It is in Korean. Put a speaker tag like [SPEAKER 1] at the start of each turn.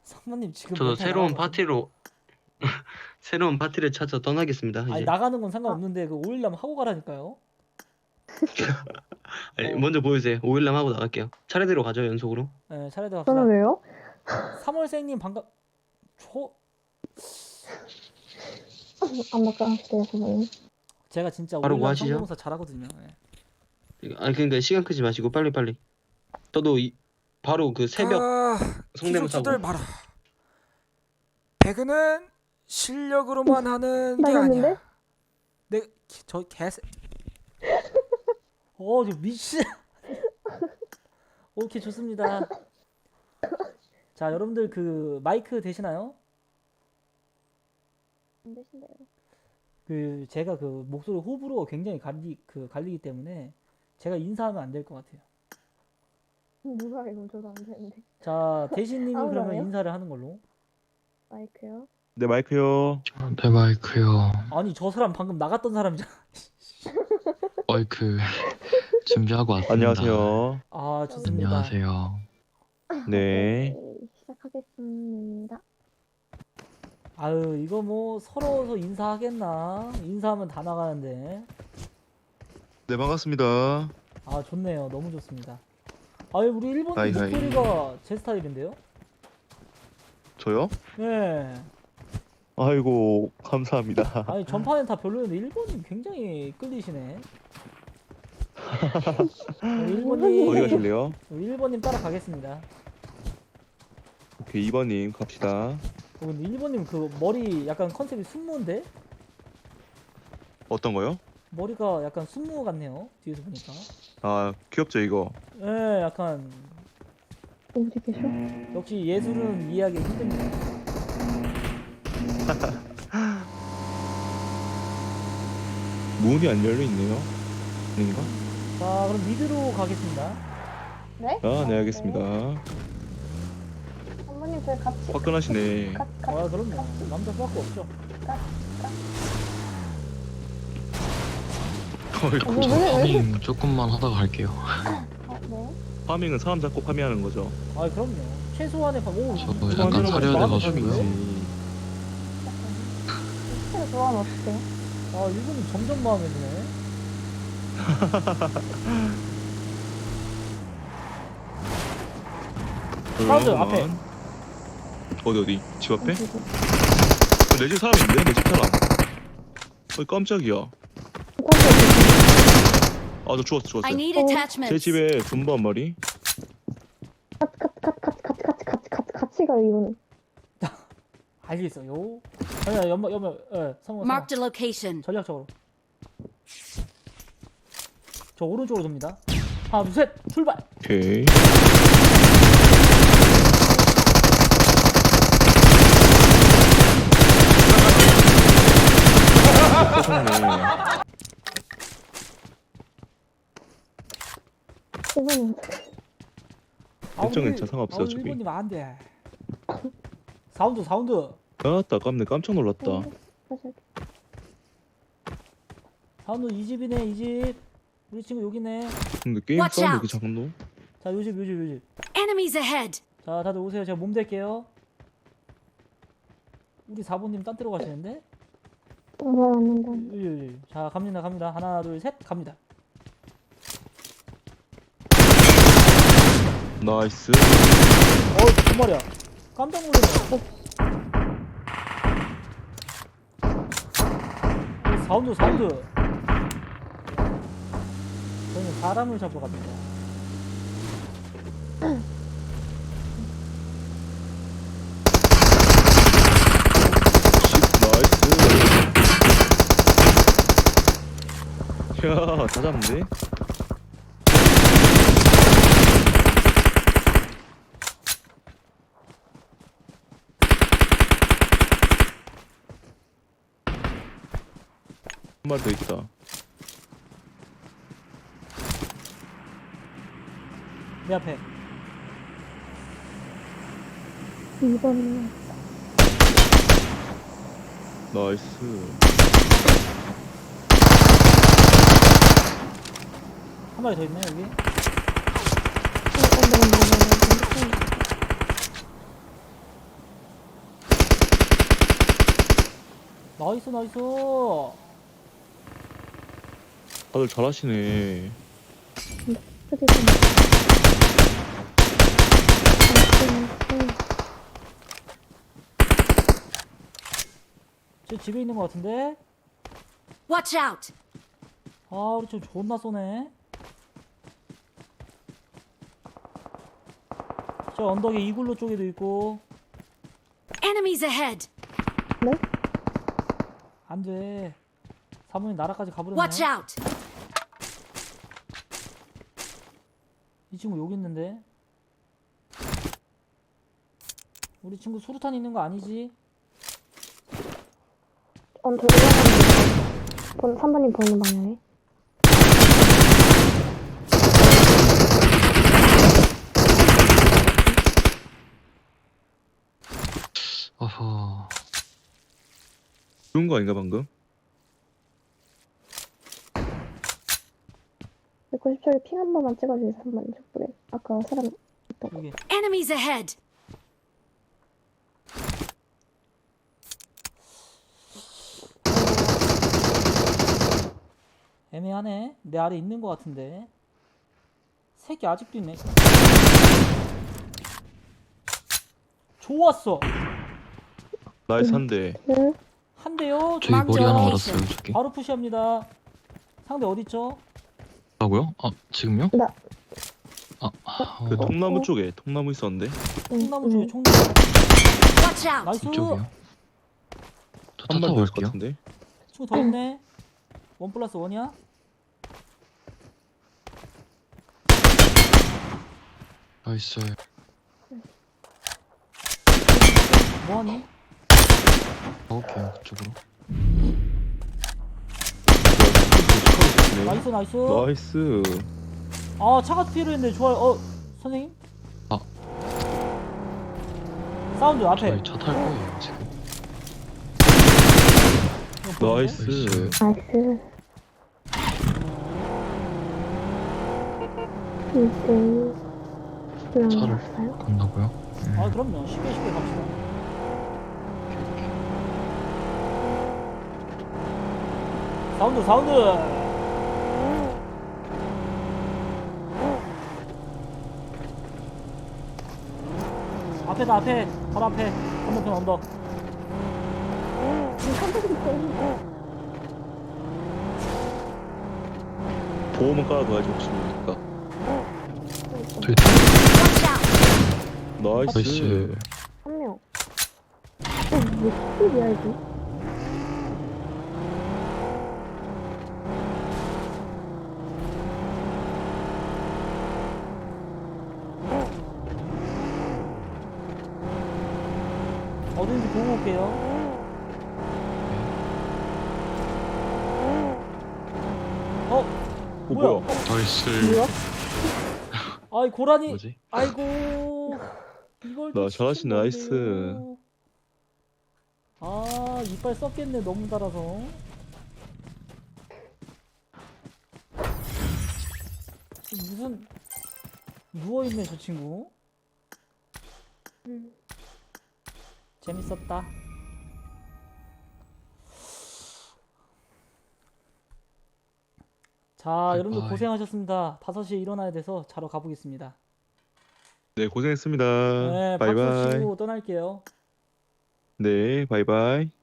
[SPEAKER 1] 상무님 지금
[SPEAKER 2] 저도
[SPEAKER 1] 멘탈
[SPEAKER 2] 새로운
[SPEAKER 1] 나가거든요.
[SPEAKER 2] 파티로 새로운 파티를 찾아 떠나겠습니다.
[SPEAKER 1] 아니
[SPEAKER 2] 이제.
[SPEAKER 1] 나가는 건 상관없는데 그 5일남 하고 가라니까요.
[SPEAKER 2] 아니,
[SPEAKER 1] 어,
[SPEAKER 2] 먼저 보여주세요. 5일남 하고 나갈게요. 차례대로 가죠, 연속으로.
[SPEAKER 1] 네, 차례대로
[SPEAKER 3] 저는
[SPEAKER 1] 갑시다.
[SPEAKER 3] 왜요?
[SPEAKER 1] 3월생님 반갑. 초
[SPEAKER 3] 안 바꿔주세요, 선생님.
[SPEAKER 1] 제가 진짜
[SPEAKER 2] 바로 뭐
[SPEAKER 1] 5일남
[SPEAKER 2] 하시죠?
[SPEAKER 1] 성대모사 잘하거든요. 네.
[SPEAKER 2] 아니 그러니까 시간 끄지 마시고 빨리. 저도 바로 그 새벽 성대모사 하고.
[SPEAKER 4] 기술자들 봐라. 배그는 실력으로만 하는 게
[SPEAKER 3] 나갔는데?
[SPEAKER 4] 아니야. 저 개새.
[SPEAKER 1] 저 미친. 오케이 좋습니다. 자 여러분들 그 마이크 되시나요?
[SPEAKER 3] 안 되신대요.
[SPEAKER 1] 그 제가 그 목소리 호불호 굉장히 갈리기 때문에 제가 인사하면 안 될 것 같아요.
[SPEAKER 3] 누가 이거 저도 안 되는데.
[SPEAKER 1] 자 대신님이
[SPEAKER 3] 아무도
[SPEAKER 1] 그러면
[SPEAKER 3] 안 해요?
[SPEAKER 1] 인사를 하는 걸로.
[SPEAKER 3] 마이크요?
[SPEAKER 5] 네, 마이크요.
[SPEAKER 6] 네, 마이크요.
[SPEAKER 1] 아니 저 사람 방금 나갔던 사람이잖아.
[SPEAKER 6] 마이크 준비하고 왔습니다.
[SPEAKER 5] 안녕하세요.
[SPEAKER 1] 아 좋습니다.
[SPEAKER 6] 안녕하세요.
[SPEAKER 5] 네.
[SPEAKER 3] 오케이, 시작하겠습니다.
[SPEAKER 1] 아유 이거 뭐 서로 인사하겠나? 인사하면 다 나가는데.
[SPEAKER 5] 네, 반갑습니다.
[SPEAKER 1] 아 좋네요. 너무 좋습니다. 아유 우리 일본인
[SPEAKER 5] 하이.
[SPEAKER 1] 목소리가 제 스타일인데요?
[SPEAKER 5] 저요?
[SPEAKER 1] 네.
[SPEAKER 5] 아이고, 감사합니다.
[SPEAKER 1] 아니 전판엔 다 별로였는데 일본인 굉장히 끌리시네. 일본님
[SPEAKER 5] 어디 가실래요?
[SPEAKER 1] 1번님 따라가겠습니다.
[SPEAKER 5] 오케이, 2번님 갑시다.
[SPEAKER 1] 근데 1번님 그 머리 약간 컨셉이 순무인데?
[SPEAKER 5] 어떤 거요?
[SPEAKER 1] 머리가 약간 순무 같네요. 뒤에서 보니까.
[SPEAKER 5] 아, 귀엽죠, 이거?
[SPEAKER 1] 예, 약간
[SPEAKER 3] 어디 계셔?
[SPEAKER 1] 역시 예술은 이해하기 힘듭니다.
[SPEAKER 5] 문이 안 열려 있네요. 아닌가?
[SPEAKER 1] 자, 그럼 미드로 가겠습니다.
[SPEAKER 3] 네?
[SPEAKER 5] 아, 네, 알겠습니다.
[SPEAKER 3] 선배님 저희 같이
[SPEAKER 5] 화끈하시네.
[SPEAKER 1] 아, 그럼요. 남자 수밖에 없죠.
[SPEAKER 5] 어이구.
[SPEAKER 6] 저 파밍 조금만 하다가 갈게요.
[SPEAKER 3] 네.
[SPEAKER 5] 파밍은 사람 잡고 파밍하는 거죠.
[SPEAKER 1] 아, 그럼요. 최소한의 오,
[SPEAKER 6] 저
[SPEAKER 1] 이거
[SPEAKER 6] 약간
[SPEAKER 1] 완전
[SPEAKER 6] 사려야
[SPEAKER 1] 마음에
[SPEAKER 6] 돼가지고요.
[SPEAKER 1] 드는데?
[SPEAKER 3] 스킬을 좋아하면 어떡해요?
[SPEAKER 1] 아, 일본인 점점 마음에 드네. 사람들 앞에.
[SPEAKER 5] 어디? 집 앞에? 내 집 사람 있는데? 내 집 사람. 어이, 깜짝이야. 아, 저 죽었어.
[SPEAKER 7] I need
[SPEAKER 3] 어.
[SPEAKER 5] 제
[SPEAKER 7] attachments.
[SPEAKER 5] 집에 존버 한 마리.
[SPEAKER 3] 같이 가요, 이거는.
[SPEAKER 1] 알겠어요. 아니야, 성공.
[SPEAKER 7] Marked a location.
[SPEAKER 1] 전략적으로. 저 오른쪽으로 돕니다. 하나, 둘, 셋, 출발!
[SPEAKER 5] 오케이. 세상에.
[SPEAKER 3] 이거는
[SPEAKER 5] 괜찮아, 상관없어요, 어차피.
[SPEAKER 1] 일본님 안 돼. 사운드.
[SPEAKER 5] 아따, 깜짝 놀랐다.
[SPEAKER 3] 사실
[SPEAKER 1] 사운드 이 집이네, 이 집. 우리 친구 여기네.
[SPEAKER 5] 근데 게임
[SPEAKER 7] Watch
[SPEAKER 5] 사운드
[SPEAKER 7] out.
[SPEAKER 5] 이렇게 작노?
[SPEAKER 1] 자, 요 집.
[SPEAKER 7] Enemies ahead.
[SPEAKER 1] 자, 다들 오세요. 제가 몸 댈게요. 우리 4번님 딴 데로 가시는데?
[SPEAKER 3] 감사합니다.
[SPEAKER 1] 자, 갑니다. 하나, 둘, 셋, 갑니다.
[SPEAKER 5] 나이스.
[SPEAKER 1] 두 마리야. 깜짝 놀랐네. 사운드. 저는 사람을 잡으러 갑니다.
[SPEAKER 5] 나이스. 야, 다 잡는데? 한 마리 더 있다.
[SPEAKER 1] 내 앞에.
[SPEAKER 3] 2번이요.
[SPEAKER 5] 나이스.
[SPEAKER 1] 한 마리 더 있네, 여기. 나이스 나이스.
[SPEAKER 5] 다들 잘하시네.
[SPEAKER 3] 그지 좀.
[SPEAKER 1] 저 집에 있는 것 같은데?
[SPEAKER 7] Watch out!
[SPEAKER 1] 아 우리 좀 존나 쏘네. 저 언덕에 이글루 쪽에도 있고.
[SPEAKER 7] Enemies ahead!
[SPEAKER 1] 안돼. 사모님 나라까지 가버렸네.
[SPEAKER 7] Watch out!
[SPEAKER 1] 이 친구 여기 있는데. 우리 친구 수류탄 있는 거 아니지?
[SPEAKER 3] 언더 올라가는 3번님 보이는 방향에.
[SPEAKER 6] 어허.
[SPEAKER 5] 좋은 거 아닌가 방금?
[SPEAKER 3] 190초에 핑 한 번만 찍어주세요. 3번님 족보에. 아까 사람
[SPEAKER 1] 여기.
[SPEAKER 7] Enemies ahead!
[SPEAKER 1] 애매하네. 내 아래 있는 것 같은데. 새끼 아직도 있네. 좋았어.
[SPEAKER 5] 나이스 한 대.
[SPEAKER 3] 네.
[SPEAKER 1] 한 대요.
[SPEAKER 6] 저기 머리 하나
[SPEAKER 7] location.
[SPEAKER 6] 알았어요, 저기.
[SPEAKER 1] 바로 푸시합니다. 상대 어딨죠?
[SPEAKER 6] 라고요? 아, 지금요?
[SPEAKER 3] 나.
[SPEAKER 5] 그
[SPEAKER 6] 어,
[SPEAKER 5] 통나무 쪽에 통나무 있었는데
[SPEAKER 1] 총나무 쪽에 총나무.
[SPEAKER 7] Watch out!
[SPEAKER 1] 나이스.
[SPEAKER 6] 이쪽이요. 저 차
[SPEAKER 5] 한 번
[SPEAKER 6] 타고
[SPEAKER 5] 더 있을 것
[SPEAKER 6] 갈게요.
[SPEAKER 5] 같은데.
[SPEAKER 1] 친구 더 있네. 1+1이야?
[SPEAKER 6] 나이스.
[SPEAKER 1] 뭐하니?
[SPEAKER 6] 가볼게요, 그쪽으로.
[SPEAKER 1] 나이스 나이스.
[SPEAKER 5] 나이스.
[SPEAKER 1] 아 차가 필요했는데 좋아요. 선생님?
[SPEAKER 6] 아.
[SPEAKER 1] 사운드 앞에.
[SPEAKER 6] 저희 차 탈 거예요, 지금.
[SPEAKER 1] 이거 보이는데?
[SPEAKER 5] 나이스.
[SPEAKER 3] 나이스. 1대1
[SPEAKER 6] 차를
[SPEAKER 3] 올라갔어요?
[SPEAKER 6] 건너고요.
[SPEAKER 1] 아 그럼요. 쉽게 쉽게 갑시다. 사운드 사운드. 앞에다 앞에. 바로 앞에. 건너편 언덕.
[SPEAKER 3] 3번님 보이는
[SPEAKER 5] 보험은 깔아둬야지 혹시 모르니까.
[SPEAKER 6] 저희
[SPEAKER 7] Watch out!
[SPEAKER 5] 나이스.
[SPEAKER 6] 나이스.
[SPEAKER 3] 한 명. 왜 스킬이야 이게?
[SPEAKER 1] 어딘지 보고 올게요.
[SPEAKER 5] 어
[SPEAKER 1] 뭐야?
[SPEAKER 5] 뭐야?
[SPEAKER 6] 나이스.
[SPEAKER 3] 뭐야?
[SPEAKER 1] 아이 고라니.
[SPEAKER 6] 뭐지?
[SPEAKER 1] 아이고. 이걸 또
[SPEAKER 5] 나 잘하시네, 나이스.
[SPEAKER 1] 시킨 건데요. 아 이빨 썩겠네 너무 달아서. 무슨 누워있네 저 친구. 재밌었다. 자 여러분들
[SPEAKER 6] 바이바이.
[SPEAKER 1] 고생하셨습니다. 5시에 일어나야 돼서 자러 가보겠습니다.
[SPEAKER 5] 네 고생했습니다.
[SPEAKER 1] 네 박수
[SPEAKER 5] 바이바이.
[SPEAKER 1] 치고 떠날게요.
[SPEAKER 5] 네 바이바이.